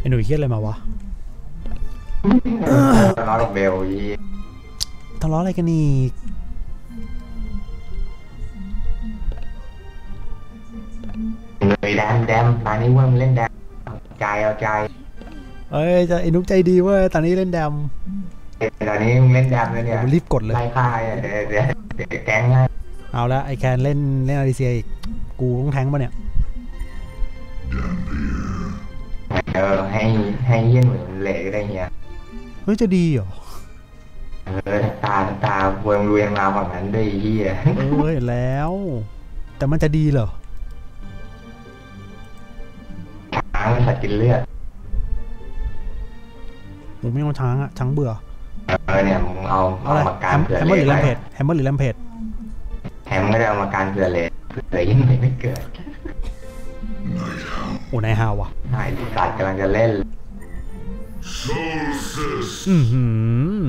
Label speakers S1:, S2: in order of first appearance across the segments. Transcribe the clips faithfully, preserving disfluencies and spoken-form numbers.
S1: อ้หนุ่ยเครียดอะไรมาวะ
S2: ทะเลาะกับเบลยี่
S1: ทะเลาะอะไรกันอีก
S2: เลยแดมแดมตอนนี้ว่ามันเล่นแดมใจเอาใจ
S1: เอ้ยจะไอ้นุ๊กใจดีเว้ยตอนนี้เล่นแดม
S2: ตอนนี้เล่นแดมแล้วเนี่ย
S1: รีบกดเลย
S2: ไล่ฆ่าเดี๋ยวเดี๋ยวเดี๋ยวแก๊งให้
S1: เอาละไอแคนเล่นเล่นอาริเซียอีกกูต้องแทงป่ะเนี่ย
S2: เออให้ให้เยี่ยนเหมือนเหล็กได้เงี้ย
S1: เฮ้ยจะดีเหรอ
S2: เออตาตาเวงเวียนมาฝั่งนั้นด้วยเฮีย
S1: เออเห็นแล้วแต่มันจะดีเหรอ
S2: ช้างสัตว์กินเลือด
S1: ผมไม่เอาช้างอะช้างเบื่อ
S2: เออเนี่ยมึงเอาเอามาการเผื่อ
S1: เลยแฮมเมอร์หรือแลมเพจแฮมเมอร์หรือแลมเพจ
S2: แฮมไม่ได้เอามาการเผื่อเลยเผื่อยิ่งไม่เกิด
S1: โอ้นายฮาวะ
S2: นายสัตว์กำลังจะเล่น
S1: อือหือ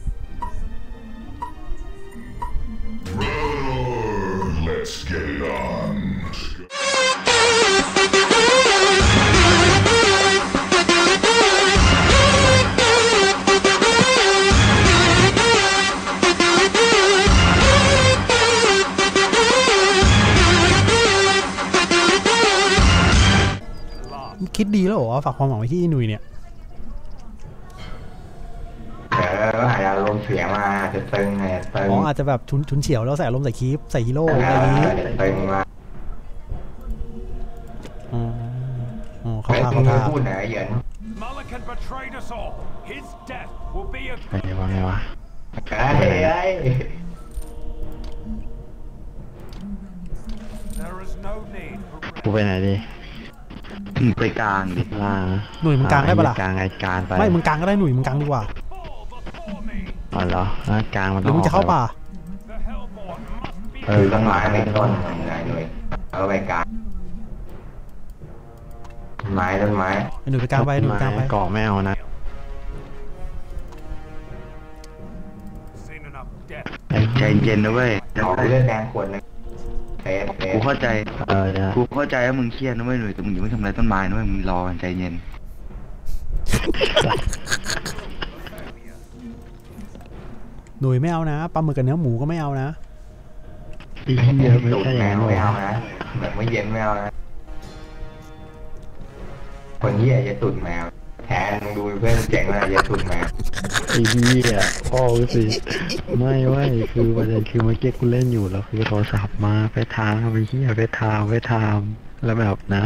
S1: คิดดีแล้วเหรอฝากความหวังไว้ที่หนุ่ยเนี่ย
S2: เอออาจจะลงเสียงมาจะตึงไงตึง
S1: อ๋ออาจจะแบบชุนชุนเฉียวแล้วใส่อารมณ์ใส่คีฟใส่ฮีโร่อะไรอย่างนี้
S2: ตึงมา
S1: อ๋ออ๋อเขาท่าเขาท่า
S2: พูดไหนเหยิน
S3: ไงวะไงวะ
S2: เฮ้ยเฮ้ย
S3: กูไปไหนดีไปกลางดิล่าง
S1: หนุ่ยมึงกลางได้ปะล่ะ
S3: กลางไอ้กลางไป
S1: ไม่มึงกลางก็ได้หนุ่ยมึงกลางดีกว่า
S3: อ๋อเหรอกลางมัน
S1: หรือมึงจะเข้าป่า
S2: เออต้นไม้ไม่ต้นไงหนุ่ยเอาไปกลางไม้ต้นไม้
S1: หนุ่ยไปกลางไปหนุ่ยกลางไป
S3: เกาะไม่เอานะใจเย็นนะเว้ย
S2: ขอเลือดแดงขวดนึง
S3: กูเข้าใจเออกูเข้าใจว่ามึงเครียดนะเว้ยหนุ่ยแต่มึงอย่าไม่ทำอะไรต้นไม้นะเว้ยมึงรอใจเย็น
S1: หนุ่ยไม่เอานะปลาหมึกกับเนื้อหมูก็ไม่เอานะ
S3: อีกเยอะไม่ใช่
S2: แมวไม่เอานะแบบไม่เย็นไม่เอานะคนเหี้ยจะตุ่นแมวแทนมึงดูเพื่อนเจ๋งเลยจะตุ่นแมว
S3: ไอ้เหี้ยพ่อสิไม่เว้ยคือประเด็นคือเมื่อกี้กูเล่นอยู่แล้วคือโทรศัพท์มาไปทางไปเหี้ยไปทางไปทางแล้วแบบนะ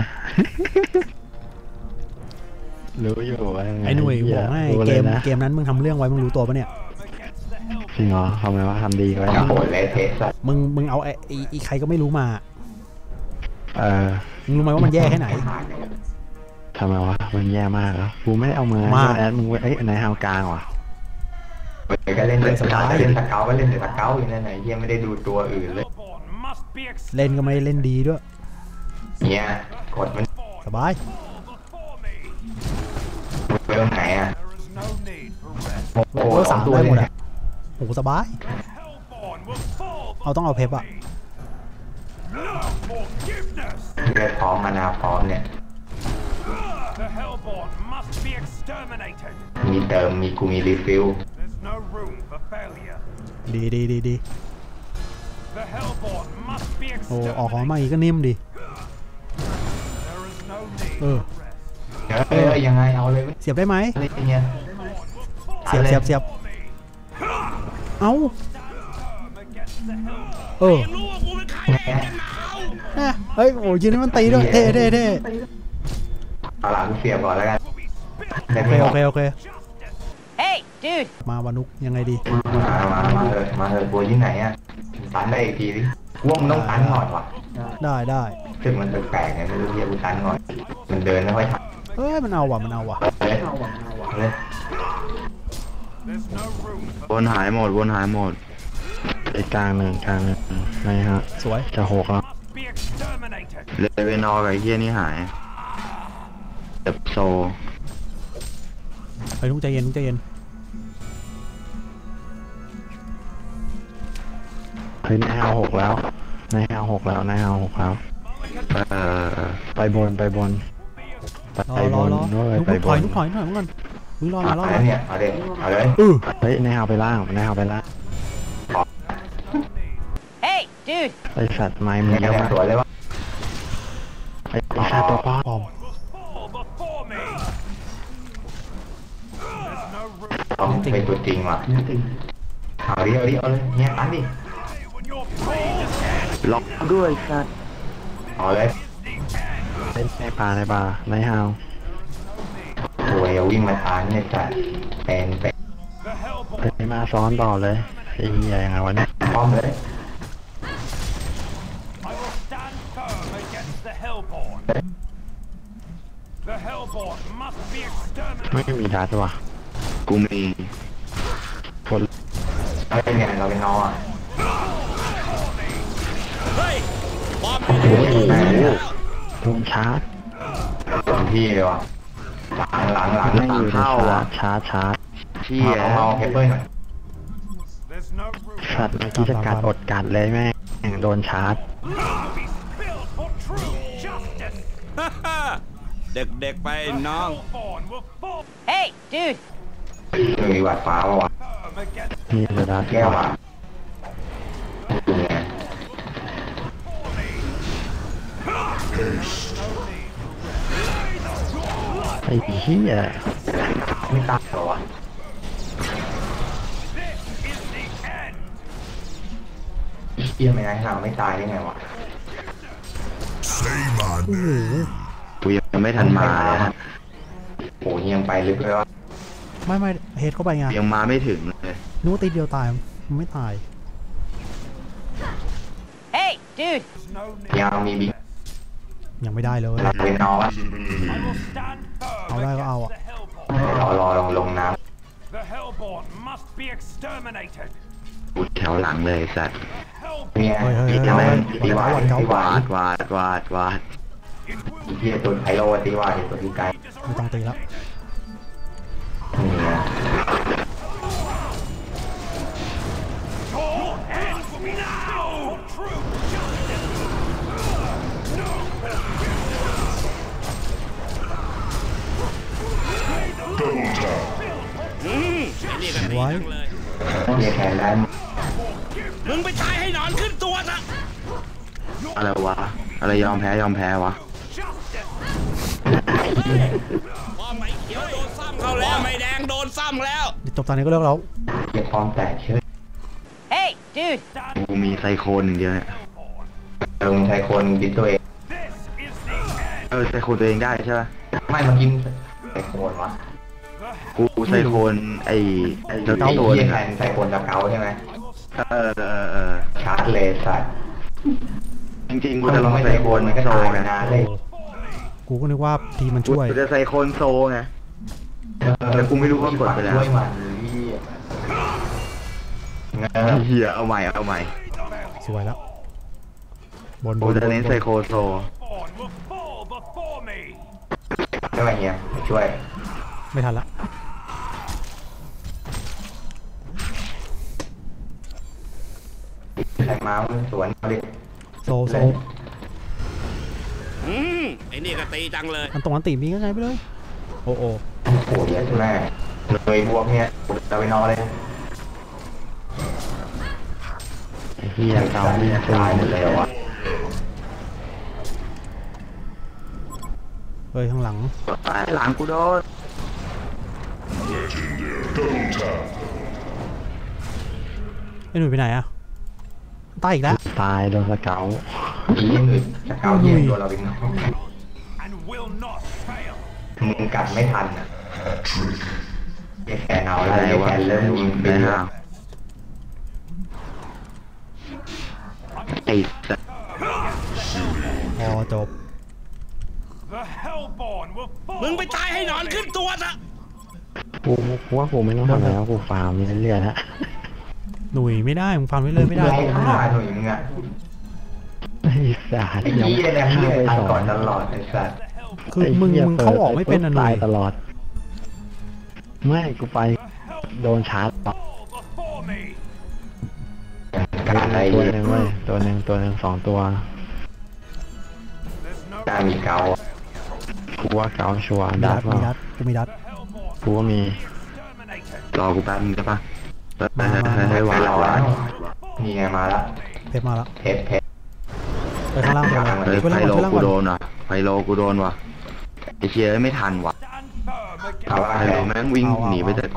S3: รู้อยู่ว่า
S1: ไอ้หนุ่ยบอกให้เกมเกมนั้นมึงทำเรื่องไว้มึงรู้ตัวปะเนี่ย
S3: จริงเหรอทำไมว่าทำดีไว้
S2: โหดเลยเทส
S1: มึงมึงเอาไอ้อีใครก็ไม่รู้มา
S3: เออ
S1: มึงรู้ไหมว่ามันแย่แค่ไหน
S3: ทำไมวะมันแย่มากเหรอกูไม่ได้เอามือแอดมึงไว้ไอ้ไหนฮาวกลางวะ
S2: ก็เล่นเลยสบายเล่นตะเกาก็เล่นแต่ตะเกาอย่างนั้นไหนยังไม่ได้ดูตัวอื่นเลย
S1: เล่นก็ไม่เล่นดีด้วย
S2: เนี่ยกดมัน
S1: สบาย
S2: เรื่องไหนอ่ะ
S1: โอ้โหสามตัวหมดอ่ะโอ้โหสบายเอาต้องเอาเพปอ่ะ
S2: เลือดพร้อมมานาพร้อมเนี่ยมีเติมมีกูมีรีฟิล
S1: ดีดีดีดีโอ้ออกของมาอีกก็นิ่มดิเออ
S2: เออยังไงเอาเลย
S1: เสียบได้ไหม
S2: อะไรเงี้ย
S1: เสียบเสียบเสียบเอาเออเฮ้ยโอ้ยนี่มันตีด้วยเท่เท่เท่
S2: เอาหลังเสียบก่อนแล้วกัน
S1: โอเคโอเคโอเค
S4: Hey dude
S1: มาวานุกยังไงดี
S2: มามามาเลยมาเลยบัวที่ไหนอ่ะตันได้อีกทีดิว่มันต้องตันหน่อยว่ะ
S1: ได้ได้
S2: ถึงมันแปลกๆไงไม่รู้เรียกกูตันหน่อยมันเดินไม่ค่อยทัน
S1: เอ้ยมันเอาว่ะมันเอาว่ะ
S3: วนหายหมดวนหายหมดไอ้กลางหนึ่งกลางหนึ่งไงฮะ
S1: สวย
S3: จะหกแล้วเลเวนอร์กับไอ้เฮียนี่หายเดบโซ
S1: ไปทุกใจเย็นทุกใจเย็น
S3: เฮ้ยนายเอาหกแล้วนายเอาหกแล้วนายเอาหกแล้วไปบนไปบนไป
S1: รอบ รอน รอ
S3: ด้วย
S1: ลุก
S3: ไป
S1: ลุก
S3: บ
S1: ถอย
S3: น
S1: ลุกถอยถอยมึงก่อนมึงรอมา
S2: เอา
S1: รอ
S2: แล้ว
S1: มา
S2: เนี่ยเอาเลยเอาเลย
S1: เออ
S3: เฮ้ยนายเอาไปล่างนายเอาไปล่าง
S4: Hey, dude.
S3: ไอสัตว์ไม้มึง
S2: เนี่ย
S3: เยอะ
S2: แรง
S3: มาก
S2: สวยเลยว่า
S3: ไอไอสัตว์ตัวป้อม
S1: ปลอม
S2: ต้องเป็นตัวจริงว่ะเอาดิเอาดิเอาเลยเนี่ยอันดิ
S3: ล็อกด้วยสัตว์
S2: เอาเลย
S3: เล่นในป่าในป่าในฮาว
S2: โอ้ยวิ่งมาทานเนี่ยจัดเป็นเป็น
S3: ไปมาซ้อนต่อเลยไอ้เหี้ยยังไงวะเนี่ย
S2: ป้อมเลย
S5: I will stand firm against the Hellborn. The Hellborn must be
S3: ไม่
S5: exterminated.
S3: มีดัดว่ะกูมีคน
S2: เราเป็นไงเราเป็นน้องอ่ะ
S3: โอ้โหโดนชาร์จ
S2: เต็มที่เลยว่ะหลังหลังหลัง
S3: ไม่อยู่ในชาร์จชาร์จชาร์จ
S2: เที่ยเอาเฮเปอร์หน่อย
S5: There's no room
S3: สัตว์เมื่อกี้จะกัดอดกัดเลยแม่งโดนชาร์จ
S5: to be spilled for true justice.
S6: เด็กๆไปน้อง
S5: Hellborn will fall
S4: Hey, dude.
S2: มีหวัดฟ้าวะ
S5: firm against
S3: มีระดับ
S2: แก้วอ่ะดูไง
S3: ไอ้เหี้ย
S2: ไม่ตายเหรอวะ
S5: is the end.
S2: เที่ยไม่ได้ห่าไม่ตายได้ไงวะ
S1: โอ้โห
S3: กูยังไม่ทันมาเลยฮะ
S2: โอ้ยยังไปลึกเลยวะ
S1: ไม่ไม่เฮดเข้าไปไง
S3: ยังมาไม่ถึงเลย
S1: นึกว่าตีเดียวตายมันไม่ตาย
S4: Hey, dude.
S5: No need.
S2: ยังมีบิ๊ก
S1: ยังไม่ได้เลย
S2: เราเป็นน้องอ่ะ
S5: I will stand firm
S1: เอาได้ก็
S5: against
S1: เอาอะ
S5: the Hellborn.
S2: รอรอลงลงน้
S5: The Hellborn must be exterminated.
S3: กูแถวหลังเลยสัตว์
S2: ำ
S5: Hellborn
S2: เนี่ย
S1: เฮ้ยเฮ้ย
S2: ตี
S1: เฮ้ย
S2: แม่ง
S1: เฮ้ย
S2: ตีหวาน
S1: เฮ้ย
S2: ตีหวาว
S3: าน ดวาดวาดวาดวาด
S5: it will
S2: เที่ยตัวไพโรตีหวานตัวที่ไกล
S1: ไม่ต้องตีแล้ว
S2: เนี่ย
S5: Your end will be now. True justice.
S6: อืมไอ้นี่ก็ดี
S1: ไว้
S6: จังเลย
S2: เที่ยแขนได้
S6: มึงไปตายให้หนอนขึ้นตัวซะ
S3: อะไรวะ อะไรยอมแพ้ยอมแพ้วะ
S6: พ่อไม่เขียวโดนซ้ำเขาแล้วพ่อไม่แดงโดนซ้ำแล้ว
S1: เดี๋ยวจบตอนนี้ก็เลิกแล้ว
S2: เที่ยพร้อมแตกเชื่อ
S4: Hey, dude.
S3: กูมีไซโคนอย่างเดียวเนี่ย
S2: ลงใช้คนดิตัวเอง
S5: This is the end.
S3: เออไซโคนตัวเองได้ใช่ปะ
S2: ไม่มากินใส่โคนวะ
S3: กูไซโคนไอ้ไอ้
S2: ไอ้
S3: ตัว
S2: เที่ย
S3: นึง
S2: แท
S3: อะ
S2: นใส่โคนตะเกาใช่ไหม
S3: เออเออเออ
S2: ชาร์จเลยสัตว์
S3: จริงๆกู
S2: ถ้า
S3: จะล
S2: เรา
S3: อง
S2: ไม่
S3: ไซ
S2: ใส่
S3: โค
S2: โคน
S3: น
S2: มันก็
S3: โซ
S2: ตาย
S3: ไง
S2: นานเลย
S1: กูก็นึกว่าทีมมัน
S3: กู
S1: ช่วย
S3: จะไซโคนโซไง แต่กูไม่รู้ว่ากดไปแล้ว
S2: ช่วยมันเหี้ยเงา
S3: เฮียเอาใหม่เอาใหม่
S1: สวยแล้ว บนบ
S3: กู
S1: น
S3: จะเน้นไซโคโซ
S5: Hellborn will fall before me.
S2: ใช่ไหมเฮียช่วย
S1: ไม่ทันละ
S2: ใครมาสวนเอาดิ
S1: โซโซ
S6: อืมไอ้นี่ก็ตีจังเลย
S1: อันตรงอันตีมีก็ไงไปเลย โอ้โอ้
S2: โอ้โหเยอะใช่ไหมเลยบวกเนี่ยเราไปนอนเลย
S3: ไอ้เฮียเกาเนี่ย
S2: ตายหมดเลยเหรอวะ
S1: เฮ้ยข้างหลัง
S3: ตายหลังกูโดน
S1: ไอ้หนุ่ยไปไหนอะตายอีกแล้ว
S3: ตายโดนสเกล
S2: อีกอื่นจะเกาเย็นตัวเราเป็นน้อง
S5: And will not fail.
S2: มึงกัดไม่ทันอ่ะแกแขนเอาแล้ว
S3: อะไร
S2: แก
S3: วะ
S2: แขนเริ่มยิงไป
S3: ได้
S2: เรื่อ
S3: ห่าย งไอ้สัส
S1: พอจบ
S5: The Hellborn will fall.
S6: มึงไปตายให้หนอนขึ้นตัวซะ
S3: กูกูว่ากูไม่ต้องทำอะไรแล้วกูฟาร์มเรื่อยๆแล้ว
S1: หนุ่ยไม่ได้มึงฟันไว้เลยไม่ได้
S2: ไล่
S1: มึง
S2: ฆ่า
S1: อะ
S2: หนุ่ยมึงอ่ะ
S3: ไอ้สัส
S2: ไอ้เหี้ยเนี่ยมึงเนี่ยตายก่อนตลอดไอ้สัส
S1: คือมึงมึงเข้าออกไม่เป็นอะหนุ่
S3: ตาย ยตลอด ไม่กูไปโดนชาร์จต่อ
S5: Fall before me.
S2: การอะไร
S3: ตัว
S2: เหี้ย
S3: หนึ่งเว้ยตัวหนึ่งตัวหนึ่งสองตัว
S5: There's no
S2: การมีเกา
S3: คกูว่าเกาชัวร์
S1: มี
S3: ดั
S1: ดั
S3: ด
S1: ด
S3: เปล่า
S1: มีดัดกูมีดัด
S3: กูก็มี
S2: รอกูแป๊บนึงได้ปะ
S1: มามามา
S2: ให้วางวางนี่ไงมาละ
S1: เพชรมาแล้ว
S2: เพชรเพชร
S1: ไปข้างล่างไป
S2: เฮ้ย
S1: ไปล่าง
S3: ไพ
S1: ก่อน
S3: โล
S1: ไปล่าง
S3: กู
S1: ก่อน
S3: โดนว่ะไพโลกูโดนว่ะไอเชียไม่ทันว่ะ
S5: Stand firm against
S2: เอาว่า
S3: ไพโลแม่งวิ่งหนีไปแต่กู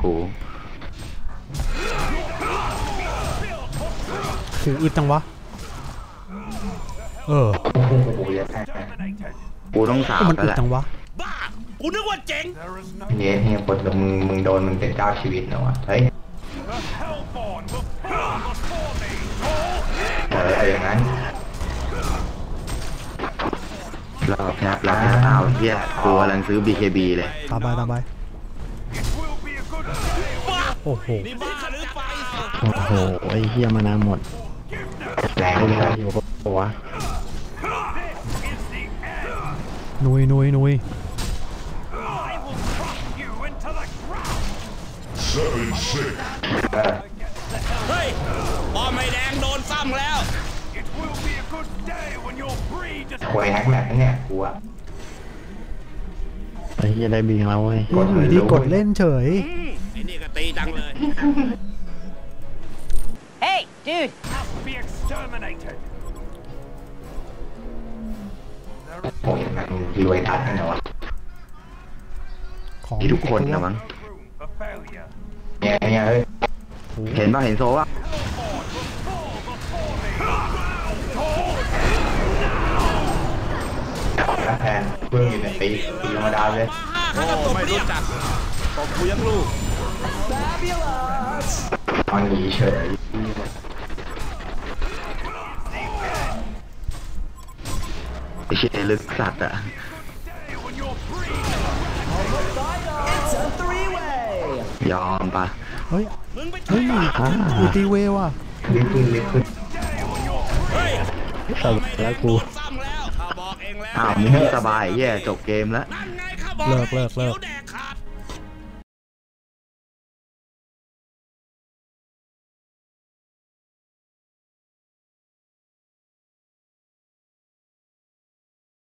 S1: ถืออึดจังวะเออ
S2: โอ้โหอย่าแพ้
S5: terminated.
S3: กูต้องสาบ
S1: มัน
S3: แล้ว
S1: อึด
S3: แหละ
S1: จังวะ
S6: บ้า กูนึกว่าเจ๋ง
S5: There is no
S2: เย้เฮียปวดมึงมึงโดนมึงเป็นเจ้าชีวิตนะวะเฮ้ย
S5: the Hellborn will fall before me.
S2: เออเอาอย่างนั้น
S3: รอบแทบรอบแทบอ้าวเฮียกูกำลังซื้อ บี เค บี เลย
S1: ตามไปตามไป
S5: It will be a good day.
S6: บ้า
S1: โอ้โห
S6: นี่บ้าหรือไฟ
S3: โอ้โหไอเฮียมานานหมด
S2: แรง
S3: ไอ้
S2: เล
S3: เฮีย
S2: ย
S3: อยู่กับตัว
S5: This is the end.
S1: นุยนุยนุย
S5: I will crush you into the ground.
S2: เออ
S6: เฮ้ยป้อมไอ้แดงโดนซ้ำแล้ว
S5: It will be a good day when your breed is
S2: ควยนักแมทเนี่ยกูอะ
S3: ไอเฮียได้บิงแล้วเว้ย
S1: อยู่ดีกดเล่นเฉย
S6: อืมไอ้นี่ก็ตีจังเลย
S4: Hey, dude.
S5: must be exterminated. There is
S2: โอ้ยมันรวยทัดนะวะ
S1: ของ
S3: ที่ทุกคนนะมั้ง
S5: no room for failure.
S2: เนี่ยเนี่ยเฮ้ย
S3: เห็นป่ะเห็นโซวะ
S2: แล้วแทนเพิ่งอยู่ในปีปีธรรมดาเลย
S6: โอ้ไม่รู้จักตบกูยังลูก
S2: ตอนหนีเฉย
S3: ไอเชียลึกสัตว์อะ
S5: Day when your breed
S3: ยอมปะ
S1: เฮ้ย
S6: มึงไป
S1: เฮ้ย
S3: อ่า
S1: อูตีเวว่ะ
S2: รีบขึ้นรีบขึ้น
S6: เฮ้ย
S3: สบายแล้วกู
S6: โดนซ้ำแล้วข้าบอกเองแล้ว
S3: อ้าวมึงไม่สบายเฮียจบเกมแล้ว
S6: นั่นไงข้าบอก
S1: เลิกเลิกเลิก
S6: ขียวแด